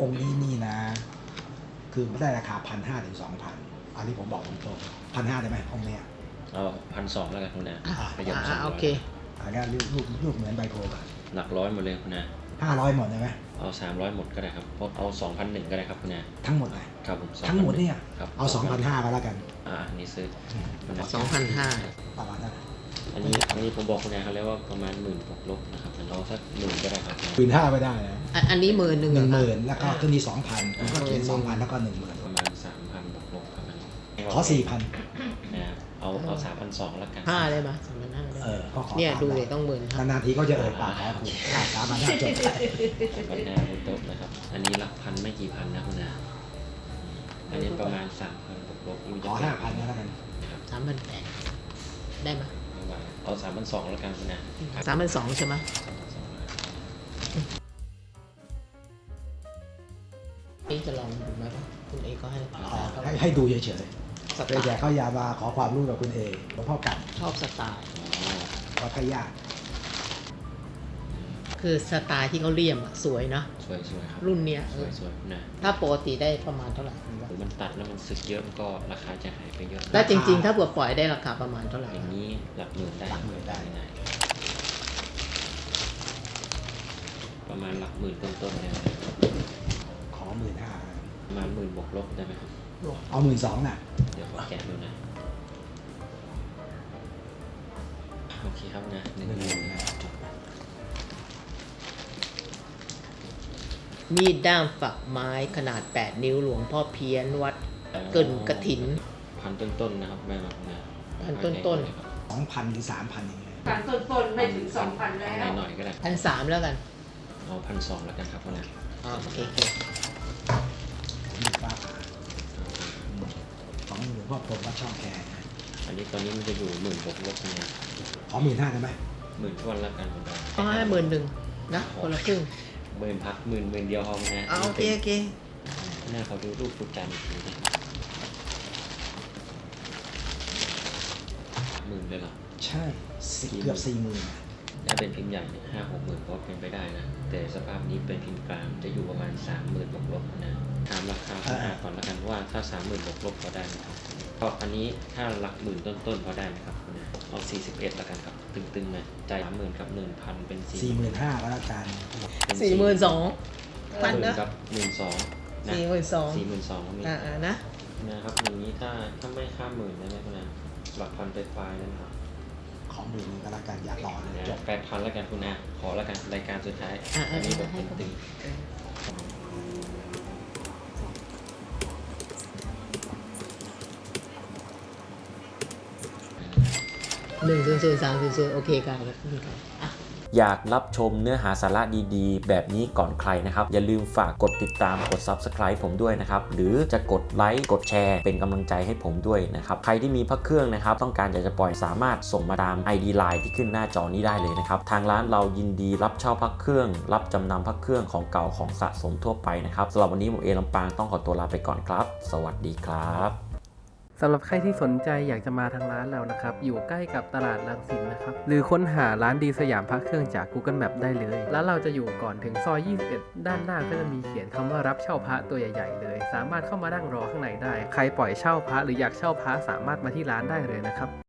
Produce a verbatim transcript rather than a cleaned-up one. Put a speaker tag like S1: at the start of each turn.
S1: องค์นี้นี่นะ คือไม่ได้ราคาพันห้าถึงสองพันอันนี้ผมบอกตรงๆพันห้าได้ไหมองค์เนี้ย
S2: เอาพันสองแล้วกันคุณนะ
S1: อ่า
S2: ขยับสองร้
S3: โอ
S2: อย
S3: เค
S1: อันนี้รูปรูปรูปเหมือนใบโพกัน
S2: หลักร้อยหมดเลยคุณนะ
S1: ห้าร้อยหมดใช่ไหม
S2: เอาสามร้อยหมดก็ได้ครับเพราะเอาสองพันหนึ่งก็ได้ครับคุณนะ
S1: ทั้งหมดเลย
S2: ครับผม
S1: ทั้งหมดเนี่ย
S2: ครับ
S1: เอาสองพันห้าก็แล้วกัน
S2: อ่าอันนี้ซื้อคุณนะ
S3: สองพันห้า
S1: ประมาณนั้น
S2: อันนี้อันนี้ผมบอกคุณนะเขาเรียกว่าประมาณหมื่นบวกลบนะครับเอาสักหมื่นก็ได้ครับ
S1: หมื่นห้าไม่ได้นะ
S3: อันนี้หมื่นหนึ่ง
S1: หนึ่งหมื่นแล้วก็ขึ้นที่สองพันคุณก็เขียนสองพันแล้วก็หนึ่งหมื่น
S2: ประมาณสามพันบวกลบครับอันนี้
S1: ขอสี่พัน
S2: นะครับเอาเอาสามพันสองแล้วกัน
S3: ห้าได้ไหมสามพันห้า
S1: เออก็ขอ
S3: เนี่ย
S1: ตาม
S3: ดู
S1: นั้
S3: เลย
S1: น
S3: ต้องหมื่นห้าน
S1: านๆทีก็จะเอ่ยปากขอคุณสามพันห้าจบไป
S2: ปัญหาบนโต๊ะนะครับ อันนี้หลักพันไม่กี่พันนะคุณนะอันนี้ประมาณสามพันบวกลบอยู่
S1: ขอห้าพันก็แล้วกัน
S2: ครับ
S3: สามพันแปดได้ไหม
S2: ไม่ไหวเอาสามพันสองแล้วกันคุณนะ
S3: สามพันสองใช่ไหมนี่จะลองดูไหมว่าคุณเอก็ให้
S1: อ๋อให้ให้ดูเฉย
S3: ส
S1: ๆ
S3: ไต
S1: เลยแต่
S3: ล์
S1: เขาอย่ามาขอความรู้กับคุณเอหลวงพ่อกัน
S3: ชอบสไตล์
S2: อ๋อ
S1: วัดพระญาติ
S3: คือสไตล์ที่เขาเลี่ยมอะสวยเนอะ
S2: สวยสวยครับ
S3: รุ่นเนี้ย
S2: สวยสวยนะ
S3: ถ้าปกติได้ประมาณเท่าไหร่คุณว่า
S2: หรือมันตัดแล้วมันสึกเยอะมันก็ราคาจะหายไปเยอะ
S3: แล้วจริงๆ ถ้าเผื่อปล่อยได้ราคาประมาณเท่าไหร่
S2: อย่างนี้หลักหมื่นได้
S1: หลักหมื่นได้
S2: ง่ายประมาณหลักหมื่นต้นๆเนี่ย
S1: ขอหมื่นห้า
S2: ประมาณหมื่นบวกลบได้ไหมครับ
S1: เอาหมื่นสองน่ะ
S2: เดี๋ยวขอแกะดูนะโอเคครับนะหนึ่ง
S1: หนึ่ง
S2: ห
S1: ห
S2: มื่
S1: มื่
S2: น
S1: นนะจบไป
S3: มีดด้ามฝักไม้ขนาดแปดนิ้วหลวงพ่อเพี้ยนวัดเกินกระถิน
S2: พันต้นๆนะครับแม่ครับนะ
S3: พันต้นๆ
S2: ครับ
S1: สองพันหรือสามพันอย่างเงี้ย
S4: พันต้นๆไม่ถึงสองพันแล้ว
S2: หน่อยๆก็ได้
S3: พันสามแล้วกัน
S2: เอาพันสองแล้วกันครับนะ
S3: อ๋อโอเคโอเค
S1: ผมดูฟ้าผ่าของหลวงพ่อพรหมวัดช่องแคนะ
S2: อันนี้ตอนนี้มันจะอยู่หมื่นบวกลบเนี่ย
S1: ขอหมื่นห้าได้ไหม
S2: หมื่นทวนแล้วกันคุณดา
S3: เอาให้หมื่นหนึ่งนะคนละครึ่ง
S2: หมื่นพักหมื่นหมื่นเดียวพอไหมนะ
S3: เอาโอเคโอเค
S2: หน้าเขาดูรูปฟุตจันทร์อีกทีนะหมื่นเลยเหรอ
S1: ใช่สิเกือบสี่หมื่น
S2: ถ้าเป็นพิมพ์ใหญ่เนี่ยห้าหกหมื่นก็เป็นไปได้นะ แต่สภาพนี้เป็นพิมพ์กลางจะอยู่ประมาณสามหมื่นบวกลบนะถามราคาคุณอาก่อนแล้วกันว่าถ้าสามหมื่นบวกลบพอได้ไหมครับก็อันนี้ถ้าหลักหมื่นต้นๆพอได้ไหมครับคุณอาเอาสี่สิบเอ็ดแล้วกันครับตึงๆนะจ่ายสามหมื่นกับหนึ่งพันเป็นสี่
S1: สี่หมื่นห้าก็แล้วกัน
S3: สี่หมื่นสองพัน
S2: หมื่
S3: นะ
S2: นกับหมื่นสองนะ
S3: สี่หมื่นสอง
S2: สี่หมื่นสองก็มี
S3: อ่าๆนะ
S2: นะครับอย่างนี้ถ้าถ้าไม่ข้ามหมื่นได้ไหมคุณอาหลักพันไปปลายๆนะครับ
S1: ขอหมื่นนึงก็แล้วกันอย่ารอเลยจบ
S2: แปดพันแล้วกันคุณอาขอแล้วกันรายการสุดท้าย
S3: อ่า
S2: อันนี้แบบ
S3: ให้เขา
S2: ตึง
S3: หนึ่งศูนย์ศูนย์สามศูนย์ศูนย์โอเคกันครับอ่ะ
S5: อยากรับชมเนื้อหาสาระดีๆ แบบนี้ก่อนใครนะครับ อย่าลืมฝากกดติดตามกด ซับสไครบ์ ผมด้วยนะครับ หรือจะกดไลค์กดแชร์เป็นกำลังใจให้ผมด้วยนะครับ ใครที่มีพระเครื่องนะครับ ต้องการอยากจะปล่อยสามารถส่งมาตาม ไอ ดี ไลน์ ที่ขึ้นหน้าจอนี้ได้เลยนะครับ ทางร้านเรายินดีรับเช่าพระเครื่อง รับจำนำพระเครื่องของเก่าของสะสมทั่วไปนะครับสำหรับวันนี้ผมเอลำปางต้องขอตัวลาไปก่อนครับ สวัสดีครับ
S6: สำหรับใครที่สนใจอยากจะมาทางร้านเรานะครับ อยู่ใกล้กับตลาดรังสิตนะครับ หรือค้นหาร้านดีสยามพระเครื่องจาก Google Map ได้เลย ร้านเราจะอยู่ก่อนถึงซอย ยี่สิบเอ็ด ด้านหน้าก็จะมีเขียนคำว่ารับเช่าพระตัวใหญ่ๆเลย สามารถเข้ามานั่งรอข้างในได้ ใครปล่อยเช่าพระหรืออยากเช่าพระสามารถมาที่ร้านได้เลยนะครับ